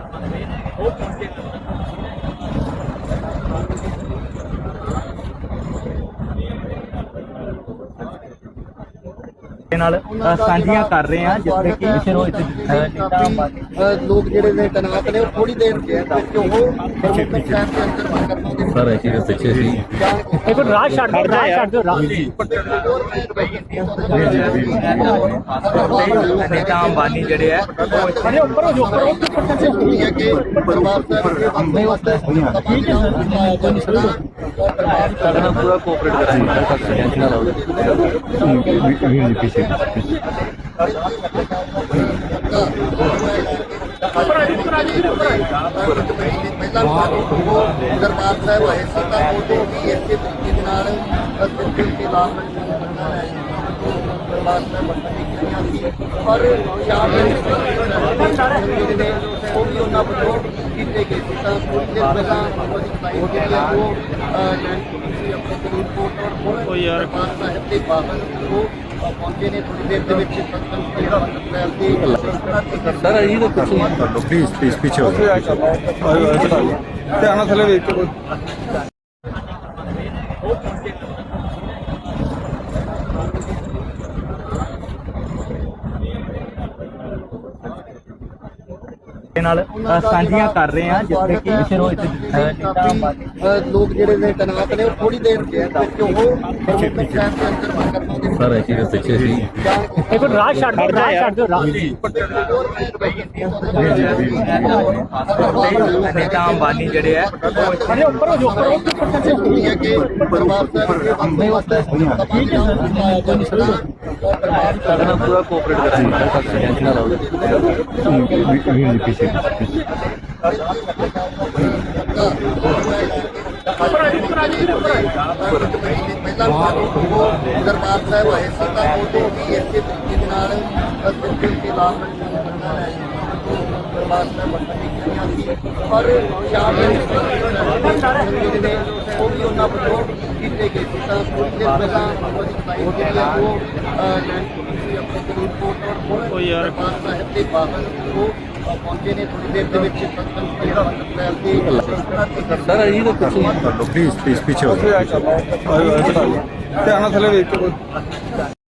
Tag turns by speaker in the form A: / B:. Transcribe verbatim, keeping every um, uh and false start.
A: ਨਾਲ ਸਾਂਝੀਆਂ ਕਰ ਰਹੇ ਹਾਂ ਜਿੱਥੇ ਕਿ ਸ਼ੁਰੂ ਵਿੱਚ
B: ਲੋਕ ਜਿਹੜੇ ਨੇ ਤਨਾਤ ਨੇ ਉਹ ਥੋੜੀ ਦੇਰ ਵਿੱਚ ਉਹ ਪ੍ਰਮੁੱਖ ਸਾਹਿਬ ਦੇ ਅੰਦਰ ਕਰਨਾ ਦੇ
C: ਸਰ ਅਸੀਂ ਦੇ ਪਿੱਛੇ ਸੀ
A: ਇੱਕ ਰਾਹ ਛੱਡ ਦਿਓ ਰਾਹ ਛੱਡ ਦਿਓ ਰਾਹ ਨੇਤਾ ਅੰਬਾਨੀ ਜਿਹੜੇ ਹੈ ਅਰੇ ਉੱਪਰ ਹੋ ਜੋ ਉੱਪਰ
B: ਹੈ ਕਿ ਪਰਿਵਾਰ ਸਾਹਿਬ ਦੇ ਬੰਦੇ ਵਾਸਤੇ ਠੀਕ ਹੈ ਸਰ
C: ਸਾਡਾ ਪੂਰਾ ਕੋਆਪਰੇਟ ਕਰਾਂਗੇ ਟੈਨਸ਼ਨ ਨਾ ਲਓ ਵੀ ਪਿੱਛੇ
B: ਦਰਬਾਰ ਸਾਹਿਬ ਆਏ ਸੀ ਤਾਂ ਉਦੋਂ ਵੀ ਇਸੇ ਤਰੀਕੇ ਦੇ ਨਾਲ ਬਿਲਕੁਲ ਕੇ ਲਾਭ ਦਰਬਾਰ ਸਾਹਿਬ ਵਰਤਣ ਦੀ ਕੀਤੀਆਂ ਸੀ ਪਰ ਸ਼ਾਮ ਦੇ ਨੇ ਉਹ ਵੀ ਉਹਨਾਂ ਵੱਲੋਂ ਕੀਤੇ ਗਏ ਸੀ ਤਾਂ ਕੁਝ ਦਿਨ ਪਹਿਲਾਂ ਉਹਦੀ ਫਲਾਈਟ ਜਿਹੜੀ ਹੈ ਉਹ ਲੈਂਡ ਕੀਤੀ ਆਪਣੇ ਕਰੀਬ ਕੋਟ ਔਰ ਯਾਰ ਸਾਹਿਬ ਦੇ ਬਾਹਰ ਉਹ ਪਹੁੰਚੇ ਨੇ ਥੋੜੀ ਦੇਰ ਦੇ ਵਿੱਚ ਸਤਿਗੁਰੂ ਸਾਹਿਬ ਦੀ
C: ਸਰ ਅਸੀਂ ਤਾਂ ਕੁਝ
D: ਪਲੀਜ਼ ਪਲੀਜ਼ ਪਿੱਛੇ ਹੋ
E: ਧਿਆਨ ਨਾਲ ਥੱਲੇ ਵੇਖ ਕੇ
A: ਨਾਲ ਸਾਂਝੀਆਂ ਕਰ ਰਹੇ ਹਾਂ ਜਿੱਥੇ ਕਿ ਸ਼ੁਰੂ ਵਿੱਚ ਨੇਤਾ ਅੰਬਾਨੀ
B: ਲੋਕ ਜਿਹੜੇ ਨੇ ਤਨਾਤ ਨੇ ਉਹ ਥੋੜੀ ਦੇਰ ਵਿੱਚ ਉਹ ਪ੍ਰਮੁੱਖ ਸਾਹਿਬ ਦੇ ਅੰਦਰ ਕਰਨਾ ਦੇ
C: ਸਰ ਅਸੀਂ ਦੇ ਪਿੱਛੇ ਸੀ
A: ਇੱਕ ਰਾਹ ਛੱਡ ਦਿਓ ਰਾਹ ਛੱਡ ਦਿਓ ਰਾਹ ਨੇਤਾ ਅੰਬਾਨੀ ਜਿਹੜੇ ਹੈ ਅਰੇ ਉੱਪਰ ਹੋ ਜੋ ਉੱਪਰ
B: ਹੈ ਕਿ ਪਰਿਵਾਰ ਸਾਹਿਬ ਦੇ ਬੰਦੇ ਵਾਸਤੇ ਠੀਕ ਹੈ ਸਰ
C: ਸਾਡਾ ਪੂਰਾ ਕੋਆਪਰੇਟ ਕਰਾਂਗੇ ਟੈਨਸ਼ਨ ਨਾ ਲਓ ਵੀ ਪਿੱਛੇ
B: ਦਰਬਾਰ ਸਾਹਿਬ ਆਏ ਸੀ ਤਾਂ ਉਦੋਂ ਵੀ ਇਸੇ ਤਰੀਕੇ ਦੇ ਨਾਲ ਬਿਲਕੁਲ ਕੇ ਲਾਭ ਦਰਬਾਰ ਸਾਹਿਬ ਵਰਤਣ ਦੀ ਕੀਤੀਆਂ ਸੀ ਪਰ ਸ਼ਾਮ ਦੇ ਨੇ ਉਹ ਵੀ ਉਹਨਾਂ ਵੱਲੋਂ ਕੀਤੇ ਗਏ ਸੀ ਤਾਂ ਕੁਝ ਦਿਨ ਪਹਿਲਾਂ ਉਹਦੀ ਫਲਾਈਟ ਜਿਹੜੀ ਹੈ ਉਹ ਲੈਂਡ ਕੀਤੀ ਸੀ ਆਪਣੇ ਕਰੀਬ ਕੋਟ ਔਰ ਦਰਬਾਰ ਸਾਹਿਬ ਦੇ ਬਾਹਰ ਉਹ ਪਹੁੰਚੇ ਨੇ ਥੋੜੀ ਦੇਰ ਦੇ ਵਿੱਚ ਸਤਿਗੁਰੂ ਸਾਹਿਬ ਦੀ
C: ਸਰ ਅਸੀਂ ਤਾਂ ਕੁਝ
D: ਪਲੀਜ਼ ਪਲੀਜ਼ ਪਿੱਛੇ ਹੋ
E: ਧਿਆਨ ਨਾਲ ਥੱਲੇ ਵੇਖ ਕੇ